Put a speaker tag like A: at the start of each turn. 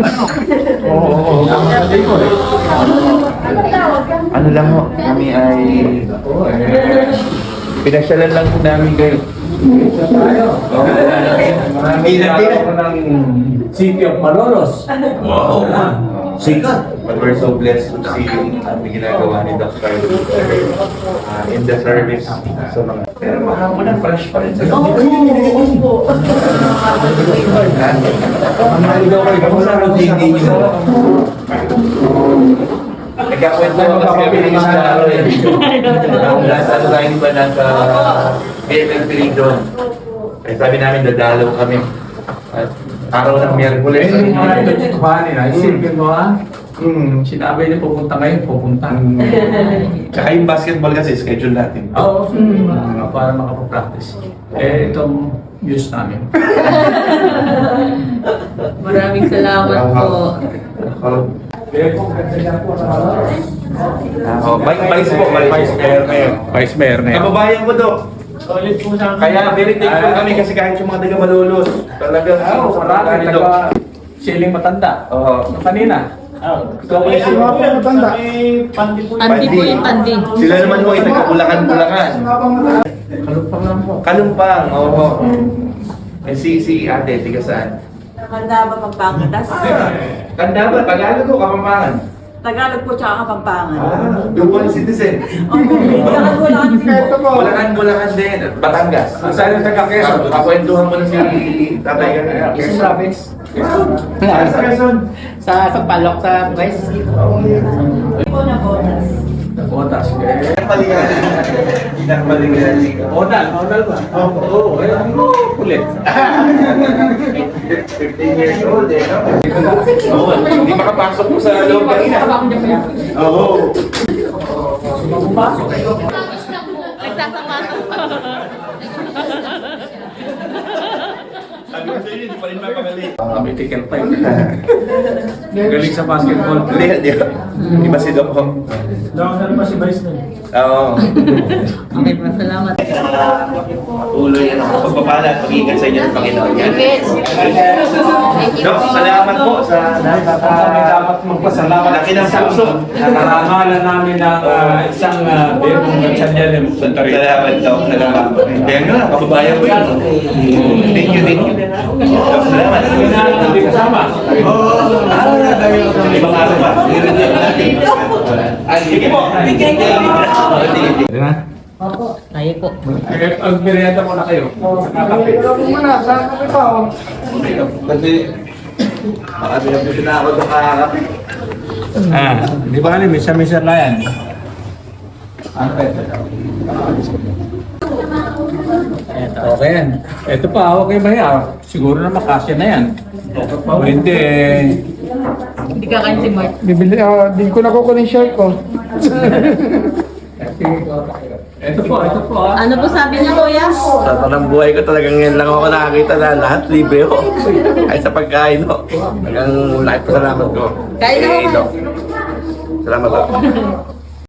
A: Oo. Ano lang ho, kami ay pinasyalan lang po namin kayo.
B: Ako ng City of Malolos.
A: Wow! Sikat! But we're so blessed to see ang ginagawa ni Dr. In the service. So, pero mahapon na fresh pa rin sa gabi. Kamusta ang routine ninyo? Nagkakwento mo kasi kami ng isang araw eh. Nasa ano tayo ba nasa BFF doon. Eh, sabi namin dadalaw kami. At araw ng Miyerkules.
B: Hindi mo na ito kuhanin ha. Isipin mo ha. Sinabi niya pupunta ngayon, pupunta.
A: Tsaka yung basketball kasi schedule natin.
B: Oo. Para makapapractice. Eh, itong views namin.
C: Maraming salamat po.
A: Vice po, Vice Mayor ngayon.
B: Vice Mayor na yan.
A: Kababayan ko, Dok.
B: Solid po sa akin.
A: Kaya very thankful kami kasi kahit yung mga taga Malolos. Talagang
B: Marami taga siling matanda.
A: Oo.
B: Kanina.
A: Ikaw ba yung mga matanda?
C: Andi po yung andi.
A: Sila naman mo ay taga-Bulacan.
B: Kalumpang lang po.
A: Kalumpang, oo. Eh si ate, tiga saan?
D: Kanda ba Pampangas?
A: Tanda ba? Tagalog o Kapampangan?
D: Tagalog po tsaka Kapampangan.
A: Dual citizen. Bulacan din. Batangas.
B: Saan yung taga Quezon?
A: Kakwentuhan mo na si tatay kanina.
B: Quezon Province.
A: Sa Quezon.
C: Sa Palok, sa Vice.
B: Botas.
A: Pinakamalingan.
B: Odal ba? Oo. Kulit.
A: 15 years old eh, no? Oo, hindi makapasok mo sa loob kanina. Oo. Sabi ko sa inyo, hindi pa rin mapagaling.
B: May ticket pa yun. Galing sa basketball.
A: Di ba si Doc Hong?
B: Ano ba si Vice na?
A: Oo.
C: Okay po, salamat.
A: Tuloy pagpapala at pag-iingat sa inyo ng Panginoon. Yan. Doc, salamat po sa
B: Kami dapat magpasalamat
A: laki ng puso.
B: Nakarangalan namin ng isang Demong Gatsanyalim sa Tarita.
A: Salamat, Doc. Salamat. Kaya nga, kababayan ko yun. Thank you. Doc, salamat.
B: Hindi kasama.
A: Ibang araw ba? Sige po.
C: Opo, tayo po.
B: Ang merienda mo na kayo.
A: Kasi, baka binabusin na ako sa kakakapi.
B: Di ba alam, misa-misa na yan. Ano ba ito? Okay yan. Ito pa, hawak kayo ba yan? Siguro na makasya na yan. O hindi,
C: Hindi ka kain si Mark.
E: Bibili, di ko nakukunin shirt ko.
B: ito po.
C: Ano po sabi niya, kuya?
F: Sa tanang buhay ko talagang ngayon lang ako nakakita na lahat libre ko. Ay sa pagkain ko. Talagang lahat pasalamat ko.
C: Kain na
F: Eh,
C: ako.
F: Salamat po.